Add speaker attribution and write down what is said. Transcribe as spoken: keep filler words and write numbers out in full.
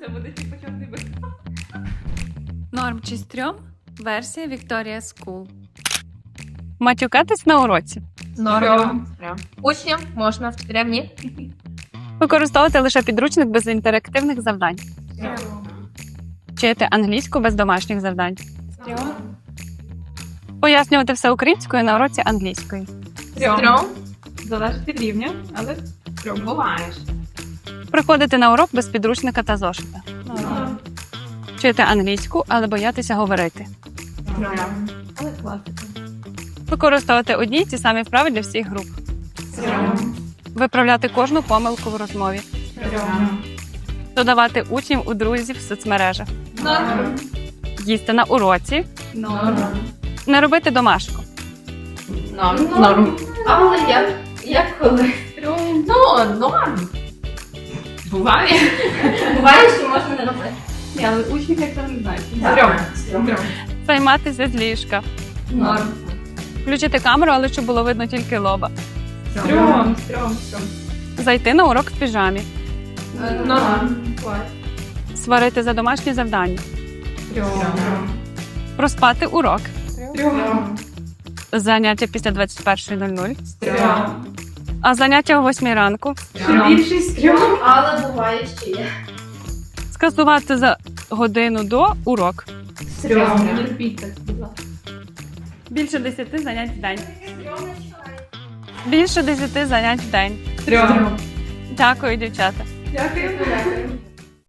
Speaker 1: Це буде типу чорний бик.
Speaker 2: Норм чи стрьом? Версія Victoria School. Матюкатись на уроці.
Speaker 3: Норм. Учням можна, вчителям ні.
Speaker 2: Використовувати лише підручник без інтерактивних завдань. Вчити англійську без домашніх завдань. Пояснювати все українською на уроці англійської.
Speaker 3: Стрьом.
Speaker 1: Залежить від рівня, але стрьом. Буваєш.
Speaker 2: Приходити на урок без підручника та зошита. Вчити англійську, але боятися говорити.
Speaker 1: Але класика.
Speaker 2: Використовувати одні й ті самі вправи для всіх груп.
Speaker 1: Стрьом.
Speaker 2: Виправляти кожну помилку в розмові.
Speaker 1: Стрьом.
Speaker 2: Додавати учнів у друзів в соцмережах.
Speaker 3: Норм.
Speaker 2: Їсти на уроці.
Speaker 1: Норм.
Speaker 2: Не робити домашку.
Speaker 3: Норм. Норм. Але як? Як коли?
Speaker 1: Стрьом.
Speaker 3: Ну, норм.
Speaker 1: Буває.
Speaker 3: Буває, що можна не робити.
Speaker 1: Ні, але учнів як це не знають.
Speaker 3: Стрьом.
Speaker 1: Стрьом.
Speaker 2: Займатися з ліжка.
Speaker 3: Норм.
Speaker 2: Включити камеру, але щоб було видно тільки лоба.
Speaker 1: Стрьом. Стрьом. Стрьом.
Speaker 2: Зайти на урок в піжамі.
Speaker 3: Норм.
Speaker 1: Клас.
Speaker 2: Сварити за домашні завдання.
Speaker 1: Стрьом.
Speaker 2: Проспати урок.
Speaker 1: Стрьом.
Speaker 2: Заняття після двадцять першої нуль нуль.
Speaker 1: Стрьом.
Speaker 2: А заняття о восьмій ранку.
Speaker 1: Ще більший стрьом.
Speaker 3: Але буває ще є.
Speaker 2: Скасувати за годину до урок.
Speaker 1: Стрьом. Не робіть так, будь ласка.
Speaker 2: Більше десяти занять в день. Більше десяти занять в день.
Speaker 1: Стрьом.
Speaker 2: Дякую, дівчата.
Speaker 1: Дякую. Дякую.